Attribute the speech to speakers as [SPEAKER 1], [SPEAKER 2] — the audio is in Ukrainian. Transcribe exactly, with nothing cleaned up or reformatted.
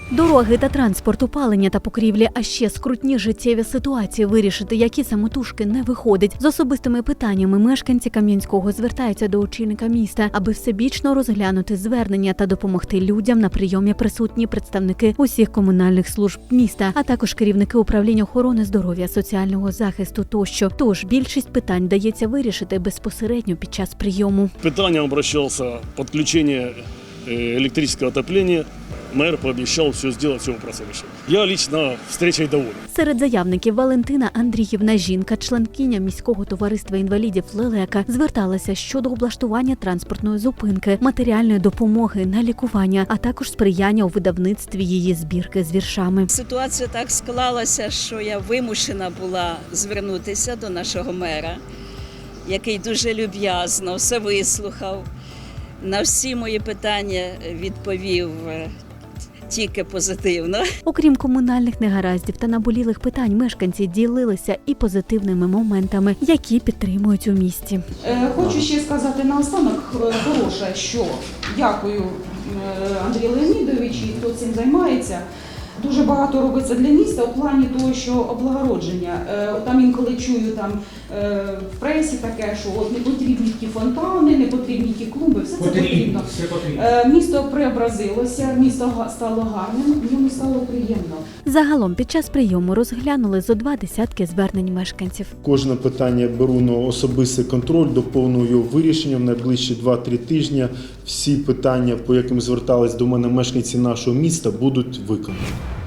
[SPEAKER 1] Дороги та транспорт, опалення та покрівлі, а ще скрутні життєві ситуації, вирішити, які самотужки, не виходить. З особистими питаннями мешканці Кам'янського звертаються до очільника міста, аби всебічно розглянути звернення та допомогти людям. На прийомі присутні представники усіх комунальних служб міста, а також керівники управління охорони здоров'я, соціального захисту тощо. Тож більшість питань дається вирішити безпосередньо під час прийому.
[SPEAKER 2] Питання обращався підключення електричного отоплення. Мэр пообещал все сделать, все вопросы решить. Я лично встречей доволен.
[SPEAKER 1] Серед заявників Валентина Андріївна, жінка, членкиня міського товариства інвалідів «Лелека», зверталася щодо облаштування транспортної зупинки, матеріальної допомоги на лікування, а також сприяння у видавництві її збірки з віршами.
[SPEAKER 3] Ситуація так склалася, що я вимушена була звернутися до нашого мера, який дуже люб'язно все вислухав, на всі мої питання відповів тільки позитивно.
[SPEAKER 1] Окрім комунальних негараздів та наболілих питань, мешканці ділилися і позитивними моментами, які підтримують у місті.
[SPEAKER 4] Хочу ще сказати наостанок хороше, що дякую Андрію Леонідовичу, хто цим займається. Дуже багато робиться для міста у плані того, що облагородження. Там інколи чую там в пресі таке, що от не потрібні ті фонтани, не потрібні ті клумби, все це потрібно.
[SPEAKER 5] Все потрібно.
[SPEAKER 4] Місто преобразилося, місто стало гарним, в ньому стало приємно.
[SPEAKER 1] Загалом під час прийому розглянули зо два десятки звернень мешканців.
[SPEAKER 6] Кожне питання беру на особистий контроль, доповнюю його вирішення в найближчі два-три тижні. Всі питання, по яким звертались до мене мешканці нашого міста, будуть виконані.